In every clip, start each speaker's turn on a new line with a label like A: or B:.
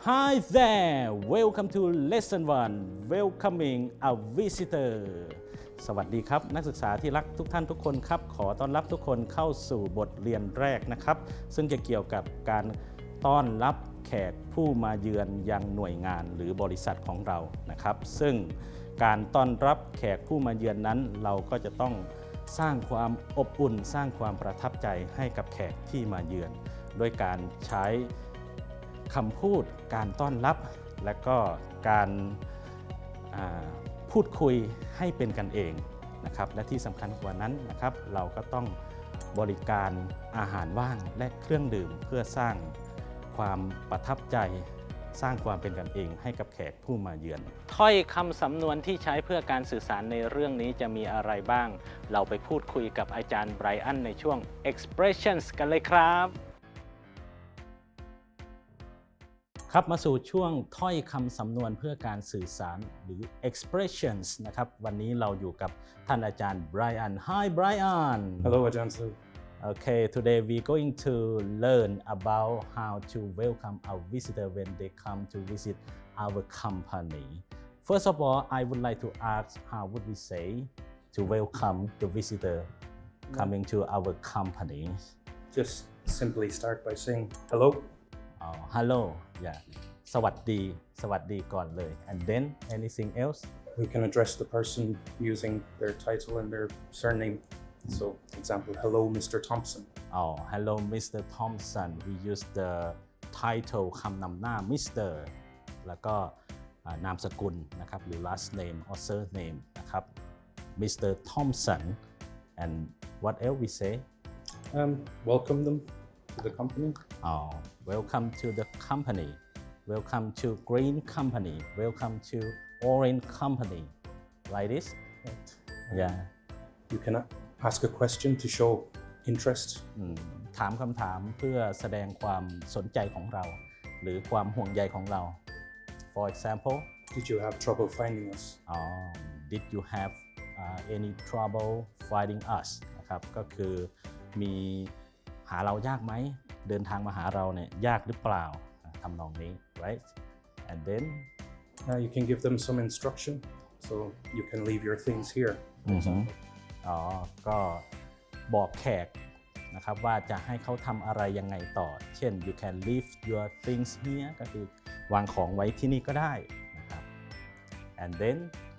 A: Hi there welcome to lesson 1 welcoming a visitor สวัสดีครับนักศึกษาที่รักทุกท่านทุกคนครับขอต้อนรับทุกคนเข้าสู่บทเรียนแรกนะครับซึ่งจะเกี่ยวกับการต้อนรับแขกผู้มาเยือนยังหน่วยงานหรือบริษัทของเรานะครับซึ่งการต้อนรับแขกผู้มาเยือนนั้นเราก็จะต้องสร้างความอบอุ่นสร้างความประทับใจให้กับแขกที่มาเยือนโดยการใช้คำพูดการต้อนรับและก็การพูดคุยให้เป็นกันเองนะครับและที่สำคัญกว่านั้นนะครับเราก็ต้องบริการอาหารว่างและเครื่องดื่มเพื่อสร้างความประทับใจสร้างความเป็นกันเองให้กับแขกผู้มาเยือนถ้อยคำสำนวนที่ใช้เพื่อการสื่อสารในเรื่องนี้จะมีอะไรบ้างเราไปพูดคุยกับอาจารย์ไบรอันในช่วง expressions กันเลยครับครับมาสู่ช่วงถ้อยคำสำนวนเพื่อการสื่อสารหรือ expressions นะครับวันนี้เราอยู่กับท่านอาจารย์ไบรอัน Hi Brian
B: Hello อาจารย์ Su
A: Okay today we're going to learn about how to welcome a visitor when they come to visit our company First of all I would like to ask how would we say to welcome the visitor coming to our company
B: Just simply start by saying hello
A: Hello yeah สวัสดีก่อนเลย and then anything else
B: We can address the person using their title and their surname So example hello Mr. Thompson
A: Hello Mr. Thompson we use the title คำนำหน้า Mr. แล้วก็นามสกุลนะครับหรือ last name or surname นะครับ Mr. Thompson and what else we say
B: Welcome them to the company
A: Welcome to the company Welcome to Green Company Welcome to Orange Company like this
B: right.
A: Yeah
B: You can ask a question to show interest
A: ถามคำถามเพื่อแสดงความสนใจของเราหรือความห่วงใยของเรา For example
B: Did you have trouble finding us
A: Did you have any trouble finding us นะครับก็คือมีหาเรายากไหมเดินทางมาหาเราเนี่ยยากหรือเปล่าทำนองนี้ right and then
B: you can give them some instruction so you can leave your things here
A: ก็บอกแขกนะครับว่าจะให้เขาทำอะไรยังไงต่อเช่น you can leave your things here ก็คือวางของไว้ที่นี่ก็ได้นะครับ and then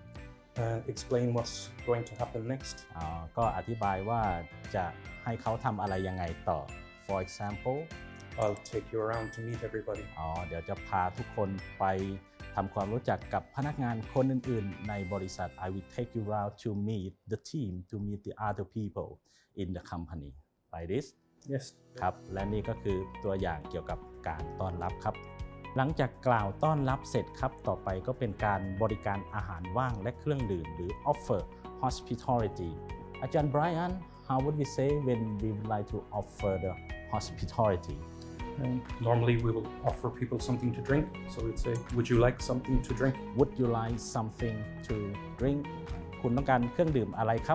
B: explain what's going to happen next
A: ก็อธิบายว่าจะให้เขาทำอะไรยังไงต่อ for example
B: I'll take you around to meet everybody
A: เดี๋ยวจะพาทุกคนไปทำความรู้จักกับพนักงานคนอื่นๆในบริษัท I will take you around to meet the team to meet the other people in the company like this
B: Yes
A: ครับและนี่ก็คือตัวอย่างเกี่ยวกับการต้อนรับครับหลังจากกล่าวต้อนรับเสร็จครับต่อไปก็เป็นการบริการอาหารว่างและเครื่องดื่มหรือ offer hospitality อาจารย์ Brian how would we say when we would like to offer the hospitality
B: Normally we will offer people something to drink so we'd say would you like something to drink
A: Would you like something to drink คุณต้องการเครื่องดื่มอะไรครับ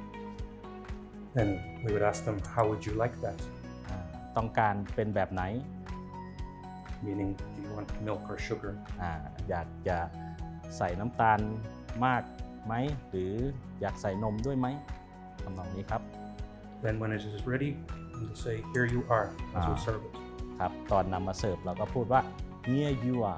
B: Then we would ask them how would you like that
A: ต้องการเป็นแบบไหน
B: Meaning do you want milk or sugar
A: อยากจะใส่น้ำตาลมากไหมหรืออยากใส่นมด้วยไหมทำนองนี้ครับ
B: Then when it is ready we'll say here you are as we serve it
A: ครับตอนนำมาเสิร์ฟเราก็พูดว่า here you are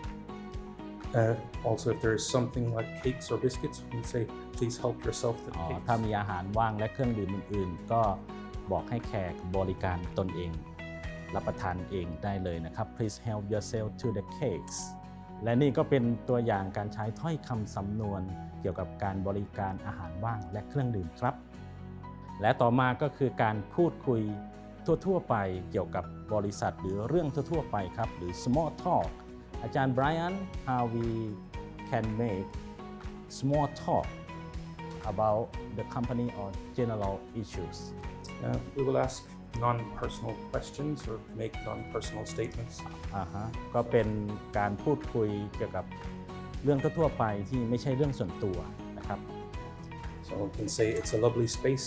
B: Also if there is something like cakes or biscuits we say please help yourself to the cakes
A: ถ้ามีอาหารว่างและเครื่องดื่มอื่นๆก็บอกให้แขกบริการตนเองรับประทานเองได้เลยนะครับ please help yourself to the cakes และนี่ก็เป็นตัวอย่างการใช้ถ้อยคำสำนวนเกี่ยวกับการบริการอาหารว่างและเครื่องดื่มครับและต่อมาก็คือการพูดคุยทั่วๆไปเกี่ยวกับบริษัทหรือเรื่องทั่วๆไปครับหรือ small talk อาจารย์ Brian how we can make small talk about the company or general issues
B: We will ask non-personal questions or make non-personal statements
A: ก็เป็นการพูดคุยเกี่ยวกับเรื่องทั่วๆไปที่ไม่ใช่เรื่องส่วนตัวนะครับ
B: So we can say it's a lovely space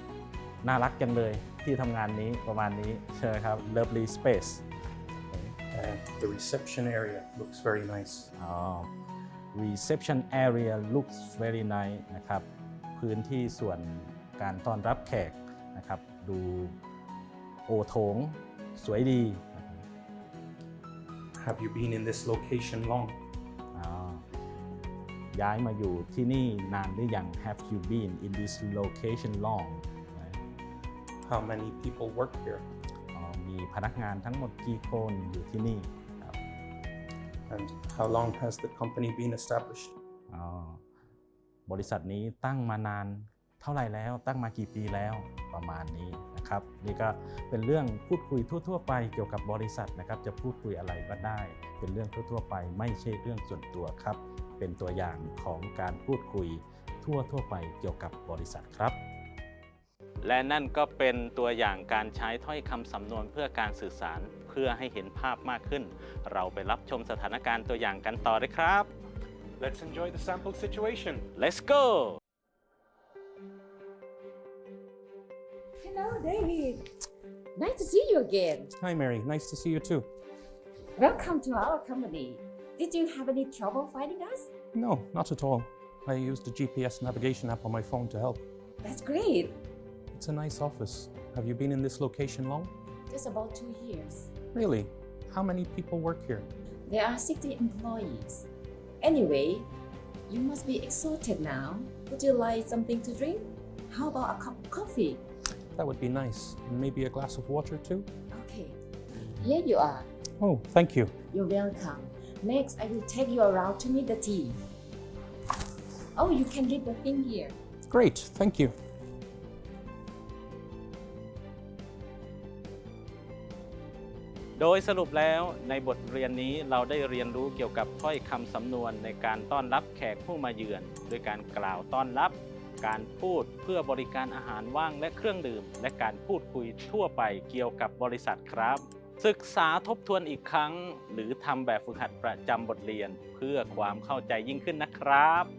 A: น่ารักจังเลยที่ทำงานนี้ประมาณนี้ใช่ไหมครับ lovely space
B: The reception area looks very nice.
A: Reception area looks very nice นะครับพื้นที่ส่วนการต้อนรับแขกนะครับดูโอโถงสวยดี
B: Have you been in this location long?
A: ย้ายมาอยู่ที่นี่นานหรือยัง Have you been in this location long?
B: How many people work here?
A: มีพนักงานทั้งหมดกี่คนอยู่ที่นี่ครับ
B: And how long has the company been established?
A: บริษัทนี้ตั้งมานานเท่าไหร่แล้วตั้งมากี่ปีแล้วประมาณนี้นะครับนี่ก็เป็นเรื่องพูดคุยทั่วๆไปเกี่ยวกับบริษัทนะครับจะพูดคุยอะไรก็ได้เป็นเรื่องทั่วๆไปไม่ใช่เรื่องส่วนตัวครับเป็นตัวอย่างของการพูดคุยทั่วๆไปเกี่ยวกับบริษัทครับและนั่นก็เป็นตัวอย่างการใช้ถ้อยคำสำนวนเพื่อการสื่อสารเพื่อให้เห็นภาพมากขึ้นเราไปรับชมสถานการณ์ตัวอย่างกันต่อเลยครับ
B: Let's enjoy the sample situation.
A: Let's go
C: Hello, David. Nice to see you again.
B: Hi, Mary. Nice to see you too.
C: Welcome to our company. Did you have any trouble finding us?
B: No, not at all. I used the GPS navigation app on my phone to help.
C: That's great.
B: It's a nice office. Have you been in this location long?
C: Just about 2 years.
B: Really? How many people work here?
C: There are 60 employees. Anyway, you must be exhausted now. Would you like something to drink? How about a cup of coffee?
B: That would be nice. And maybe a glass of water too?
C: Okay. Here you are.
B: Oh, thank you.
C: You're welcome. Next, I will take you around to meet the team. Oh, you can leave the thing here.
B: Great, thank you.
A: โดยสรุปแล้วในบทเรียนนี้เราได้เรียนรู้เกี่ยวกับถ้อยคำสำนวนในการต้อนรับแขกผู้มาเยือนโดยการกล่าวต้อนรับการพูดเพื่อบริการอาหารว่างและเครื่องดื่มและการพูดคุยทั่วไปเกี่ยวกับบริษัทครับ ศึกษาทบทวนอีกครั้งหรือทำแบบฝึกหัดประจำบทเรียนเพื่อความเข้าใจยิ่งขึ้นนะครับ